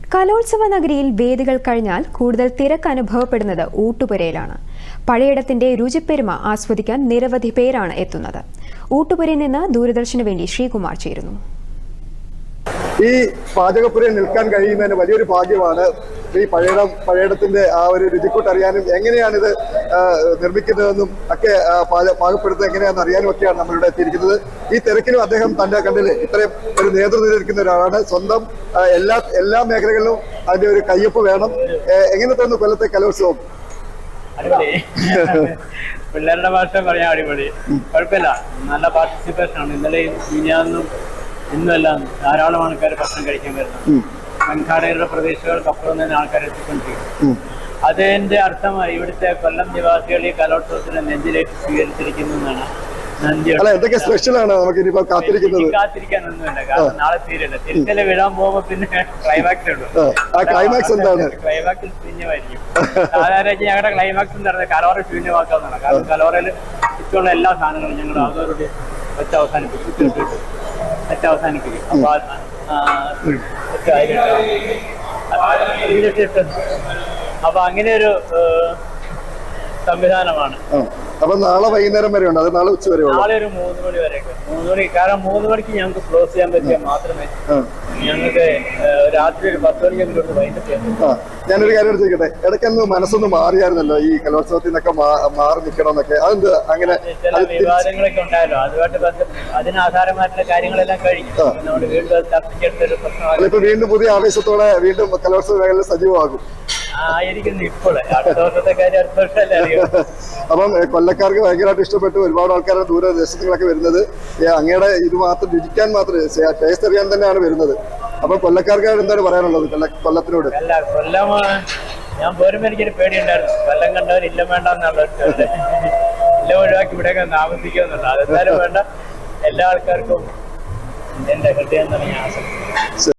കലോത്സവ നഗരിയിൽ വേദികൾ കഴിഞ്ഞാൽ കൂടുതൽ തിരക്ക് അനുഭവപ്പെടുന്നത് ഊട്ടുപുരയിലാണ്. പഴയിടത്തിന്റെ രുചിപ്പെരുമ ആസ്വദിക്കാൻ നിരവധി പേരാണ് എത്തുന്നത്. ഊട്ടുപുരയിൽ നിന്ന് ദൂരദർശന് വേണ്ടി ശ്രീകുമാർ ചേരുന്നു. ഈ പാചകപ്പുരയിൽ നിൽക്കാൻ കഴിയുന്നതിന് വലിയൊരു ഭാഗ്യമാണ്. ഈ പഴയിടത്തിന്റെ ആ ഒരു രുചിക്കൂട്ടറിയാനും എങ്ങനെയാണിത് നിർമ്മിക്കുന്നതെന്നും ഒക്കെ പാകപ്പെടുത്തുന്നത് എങ്ങനെയാണെന്ന് അറിയാനും ഒക്കെയാണ് നമ്മളിവിടെ എത്തിയിരിക്കുന്നത്. ഈ തിരക്കിലും അദ്ദേഹം തന്റെ കണ്ടില് ഇത്രയും ഒരു നേതൃത്വം ഒരാളാണ്. സ്വന്തം എല്ലാ മേഖലകളിലും അതിന്റെ ഒരു കയ്യൊപ്പ് വേണം. എങ്ങനെ തോന്നുന്നു കൊല്ലത്തെ കലോത്സവം? പിള്ളേരുടെ ഭാഷ പറയാൻ അടിപൊളി, കുഴപ്പമില്ല. നല്ല പാർട്ടിസിപ്പേഷൻ ആണ്. ഇന്നലെയും മിനിഞ്ഞാന്നും ഇന്നുമെല്ലാം ധാരാളം ആൾക്കാർ ഭക്ഷണം കഴിക്കാൻ വരുന്നത്. വൻകാടകളുടെ പ്രദേശങ്ങൾക്കപ്പുറം തന്നെ ആൾക്കാർ എത്തിക്കൊണ്ടിരിക്കും. അതിന്റെ അർത്ഥം ഇവിടുത്തെ കൊല്ലം നിവാസികൾ ഈ കലോത്സവത്തിന് നെഞ്ചിലേക്ക് സ്വീകരിച്ചിരിക്കുന്നു എന്നാണ്. കാത്തിരിക്കാനൊന്നുമില്ല, കാരണം നാളെ തീരല്ല. തിരിച്ചല് വിടാൻ പോകുമ്പോ പിന്നെ ക്ലൈമാക്സ് ഉള്ളൂ. ക്ലൈമാക്സിൽ ശൂന്യമായിരിക്കും. സാധാരണ ഞങ്ങളുടെ ക്ലൈമാക്സ് എന്ന് പറയുന്നത് കലോറ ശൂന്യമാക്കാവുന്നതാണ്. കാരണം കലോറയിൽ ഇഷ്ടമുള്ള എല്ലാ സാധനങ്ങളും ഞങ്ങൾ അതോടെ വെച്ച് അവസാനിപ്പിക്കും. അപ്പൊ അങ്ങനെ ഒരു സംവിധാനമാണ്. അപ്പൊ നാളെ വൈകുന്നേരം വരെ ഉണ്ട്, അത് നാളെ ഉച്ച വരെ? നാളെ ഒരു 3 മണി വരെയൊക്കെ. 3 മണി, കാരണം 3 മണിക്ക് ഞങ്ങൾക്ക് ക്ലോസ് ചെയ്യാൻ പറ്റിയാൽ മാത്രമേ ഞങ്ങൾക്ക് രാത്രി ഒരു 10 മണിക്കെങ്കിലും വൈകിട്ട് ചെയ്യാൻ. ഞാനൊരു കാര്യം ചോദിക്കട്ടെ, ഇടയ്ക്കൊന്ന് മനസ്സൊന്ന് മാറിയായിരുന്നല്ലോ ഈ കലോത്സവത്തിൽ നിന്നൊക്കെ മാറി നിൽക്കണം എന്നൊക്കെ? അതെന്ത് അങ്ങനെ? ചില വിവാദങ്ങളൊക്കെ ഉണ്ടായല്ലോ, അതുമായിട്ട് അതിനാധാരമായിട്ടുള്ള കാര്യങ്ങളെല്ലാം കഴിഞ്ഞു. നമ്മൾ വീണ്ടും ചർച്ചയ്ക്കെടുത്തൊരു പ്രശ്നമാണ്. ഇപ്പൊ വീണ്ടും പുതിയ ആവേശത്തോടെ വീണ്ടും കലോത്സവ മേഖല സജീവമാകും ആയിരിക്കുന്നു. ഇപ്പോഴേ അടുത്ത വർഷത്തെ കാര്യം അടുത്ത വർഷമല്ലേ അറിയാം. അപ്പം കൊല്ലക്കാർക്ക് ഭയങ്കരമായിട്ട് ഇഷ്ടപ്പെട്ടു. ഒരുപാട് ആൾക്കാരാണ് ദൂരദേശത്തുകളൊക്കെ വരുന്നത്. അങ്ങയുടെ ഇത് മാത്രം രുചിക്കാൻ മാത്രം, ടേസ്റ്റ് അറിയാൻ തന്നെയാണ് വരുന്നത്. അപ്പൊ കൊല്ലക്കാർക്ക് എന്താണ് പറയാനുള്ളത് കൊല്ലത്തിനോട്? അല്ല, കൊല്ലം ഞാൻ പോരുമ്പോ എനിക്കൊരു പേടിയുണ്ടായിരുന്നു. കൊല്ലം കണ്ടവർ ഇല്ലം വേണ്ട എന്നുള്ള ഇല്ലം ഒഴിവാക്കി ഇവിടെയൊക്കെ താമസിക്കുന്നുണ്ട്. അതെന്തായാലും വേണ്ട. എല്ലാ ആൾക്കാർക്കും എന്റെ ഹൃദയം തന്നെ ആശംസിക്കുന്നു.